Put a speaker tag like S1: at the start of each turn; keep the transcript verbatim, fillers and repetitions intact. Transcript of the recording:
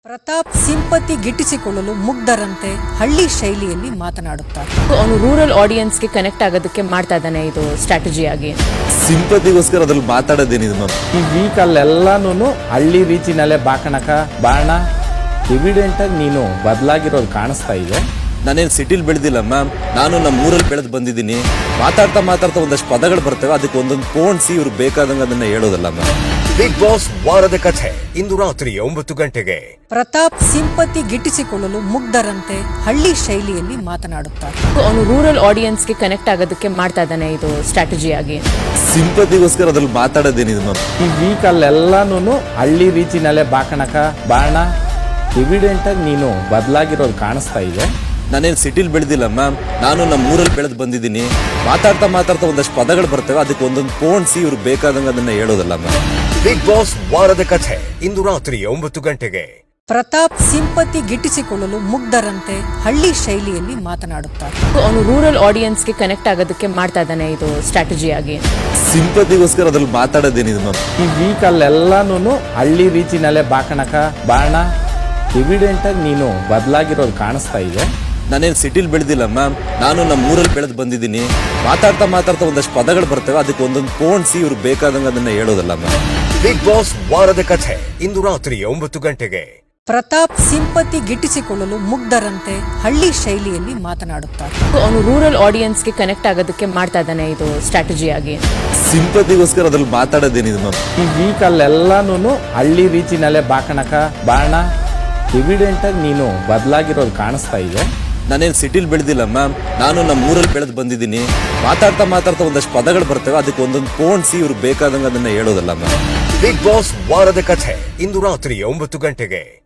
S1: Pratap sympathy ಗಿಟ್ಟಿಸಿಕೊಳ್ಳಲು ಮುಗ್ಧರಂತೆ ಹಳ್ಳಿ ಶೈಲಿಯಲ್ಲಿ ಮಾತನಾಡುತ್ತಾರೆ.
S2: ಅವನು ರೂರಲ್ ಆಡಿಯನ್ಸ್ಗೆ ಕನೆಕ್ಟ್ ಆಗೋದಕ್ಕೆ ಮಾಡ್ತಾ ಇದ್ದಾನೆ ಇದು ಸ್ಟ್ರಾಟಜಿ ಆಗಿ.
S3: ಸಿಂಪತಿಗೋಸ್ಕರ ಅದ್ರಲ್ಲಿ ಮಾತಾಡೋದೇನಿದೆ ಮ್ಯಾಮ್.
S4: ಈ ವೀಕಲ್ಲೆಲ್ಲಾನು ಹಳ್ಳಿ ರೀತಿನಲ್ಲೇ ಬಾಕಣಕ ಬಾಣ ಎವಿಡೆಂಟ್ ಆಗಿ ನೀನು ಬದಲಾಗಿರೋದು ಕಾಣಿಸ್ತಾ ಇದೆ.
S3: ನಾನೇನು ಸಿಟಿಲಿ ಬೆಳೆದಿಲ್ಲ ಮ್ಯಾಮ್, ನಾನು ನಮ್ಮ ಊರಲ್ಲಿ ಬೆಳೆದು ಬಂದಿದ್ದೀನಿ. ಮಾತಾಡ್ತಾ ಮಾತಾಡ್ತಾ ಒಂದಷ್ಟು ಪದಗಳು ಬರ್ತವೆ, ಅದಕ್ಕೆ ಒಂದೊಂದು ಪೋಣಿಸಿ ಇವ್ರು ಬೇಕಾದಂಗೆ ಅದನ್ನ ಹೇಳೋದಲ್ಲ ಮ್ಯಾಮ್.
S5: ಬಿಗ್ ಬಾಸ್ ವಾರದ ಕಥೆ ಇಂದು ರಾತ್ರಿ ಒಂಬತ್ತು ಗಂಟೆಗೆ.
S1: ಪ್ರತಾಪ್ ಸಿಂಪತಿ ಗಿಟ್ಟಿಸಿಕೊಳ್ಳಲು ಮುಗ್ಧರಂತೆ ಹಳ್ಳಿ ಶೈಲಿಯಲ್ಲಿ ಮಾತನಾಡುತ್ತಾರೆ.
S2: ಅವನು ರೂರಲ್ ಆಡಿಯನ್ಸ್ಗೆ ಕನೆಕ್ಟ್ ಆಗೋದಕ್ಕೆ ಮಾಡ್ತಾ ಇದ್ದಾನೆ ಇದು ಸ್ಟ್ರಾಟಜಿ ಆಗಿ.
S3: ಸಿಂಪತಿಗೋಸ್ಕರ ಅದ್ರಲ್ಲಿ ಮಾತಾಡೋದೇನಿದೆ ಮ್ಯಾಮ್.
S4: ಈ ವೀಕಲ್ಲೆಲ್ಲಾನು ಹಳ್ಳಿ ರೀತಿನಲ್ಲೇ ಬಾಕಣಕ ಬಾಣ ಎವಿಡೆಂಟ್ ಆಗಿ ನೀನು ಬದಲಾಗಿರೋದು ಕಾಣಿಸ್ತಾ ಇದೆ.
S3: ನಾನೇನು ಸಿಟಿಲಿ ಬೆಳೆದಿಲ್ಲ ಮ್ಯಾಮ್, ನಾನು ನಮ್ಮ ಊರಲ್ಲಿ ಬೆಳೆದು ಬಂದಿದ್ದೀನಿ. ಮಾತಾಡ್ತಾ ಮಾತಾಡ್ತಾ ಒಂದಷ್ಟು ಪದಗಳು ಬರ್ತವೆ, ಅದಕ್ಕೆ ಒಂದೊಂದು ಪೋಣಿಸಿ ಇವ್ರು ಬೇಕಾದಂಗೆ ಅದನ್ನ ಹೇಳೋದಲ್ಲ ಮ್ಯಾಮ್.
S5: ಬಿಗ್ ಬಾಸ್ ವಾರದ ಕಥೆ ಇಂದು ರಾತ್ರಿ ಒಂಬತ್ತು ಗಂಟೆಗೆ.
S1: ಪ್ರತಾಪ್ ಸಿಂಪತಿ ಗಿಟ್ಟಿಸಿಕೊಳ್ಳಲು ಮುಗ್ಧರಂತೆ ಹಳ್ಳಿ ಶೈಲಿಯಲ್ಲಿ ಮಾತನಾಡುತ್ತಾರೆ.
S2: ಅವನು ರೂರಲ್ ಆಡಿಯನ್ಸ್ಗೆ ಕನೆಕ್ಟ್ ಆಗೋದಕ್ಕೆ ಮಾಡ್ತಾ ಇದ್ದಾನೆ ಇದು ಸ್ಟ್ರಾಟಜಿ ಆಗಿ.
S3: ಸಿಂಪತಿಗೋಸ್ಕರ ಅದ್ರಲ್ಲಿ ಮಾತಾಡೋದೇನಿದೆ ಮ್ಯಾಮ್.
S4: ಈ ವೀಕಲ್ಲೆಲ್ಲಾನು ಹಳ್ಳಿ ರೀತಿನಲ್ಲೇ ಬಾಕಣಕ ಬಾಣ ಎವಿಡೆಂಟ್ ಆಗಿ ನೀನು ಬದಲಾಗಿರೋದು ಕಾಣಿಸ್ತಾ ಇದೆ.
S3: ನಾನೇನು ಸಿಟಿಲಿ ಬೆಳೆದಿಲ್ಲ ಮ್ಯಾಮ್, ನಾನು ನಮ್ಮ ಊರಲ್ಲಿ ಬೆಳೆದು ಬಂದಿದ್ದೀನಿ. ಮಾತಾಡ್ತಾ ಮಾತಾಡ್ತಾ ಒಂದಷ್ಟು ಪದಗಳು ಬರ್ತವೆ, ಅದಕ್ಕೆ ಒಂದೊಂದು ಪೋಣಿಸಿ ಇವ್ರು ಬೇಕಾದಂಗೆ ಅದನ್ನ ಹೇಳೋದಲ್ಲ ಮ್ಯಾಮ್.
S5: ಬಿಗ್ ಬಾಸ್ ವಾರದ ಕಥೆ ಇಂದು ರಾತ್ರಿ ಒಂಬತ್ತು ಗಂಟೆಗೆ.
S1: ಪ್ರತಾಪ್ ಸಿಂಪತಿ ಗಿಟ್ಟಿಸಿಕೊಳ್ಳಲು ಮುಗ್ಧರಂತೆ ಹಳ್ಳಿ ಶೈಲಿಯಲ್ಲಿ ಮಾತನಾಡುತ್ತಾರೆ.
S2: ಅವನು ರೂರಲ್ ಆಡಿಯನ್ಸ್ಗೆ ಕನೆಕ್ಟ್ ಆಗೋದಕ್ಕೆ ಮಾಡ್ತಾ ಇದ್ದಾನೆ ಇದು ಸ್ಟ್ರಾಟಜಿ ಆಗಿ.
S3: ಸಿಂಪತಿಗೋಸ್ಕರ ಅದ್ರಲ್ಲಿ ಮಾತಾಡೋದೇನಿದೆ ಮ್ಯಾಮ್.
S4: ಈ ವೀಕಲ್ಲೆಲ್ಲಾನು ಹಳ್ಳಿ ರೀತಿನಲ್ಲೇ ಬಾಕಣಕ ಬಾಣ ಎವಿಡೆಂಟ್ ಆಗಿ ನೀನು ಬದಲಾಗಿರೋದು ಕಾಣಿಸ್ತಾ ಇದೆ.
S3: ನಾನೇನು ಸಿಟಿಲಿ ಬೆಳೆದಿಲ್ಲ ಮ್ಯಾಮ್, ನಾನು ನಮ್ಮ ಊರಲ್ಲಿ ಬೆಳೆದು ಬಂದಿದ್ದೀನಿ. ಮಾತಾಡ್ತಾ ಮಾತಾಡ್ತಾ ಒಂದಷ್ಟು ಪದಗಳು ಬರ್ತವೆ, ಅದಕ್ಕೆ ಒಂದೊಂದು ಪೋಣಿಸಿ ಇವ್ರು ಬೇಕಾದಂಗೆ ಅದನ್ನ ಹೇಳೋದಲ್ಲ ಮ್ಯಾಮ್.
S5: ಬಿಗ್ ಬಾಸ್ ವಾರದ ಕಥೆ ಇಂದು ರಾತ್ರಿ ಒಂಬತ್ತು ಗಂಟೆಗೆ.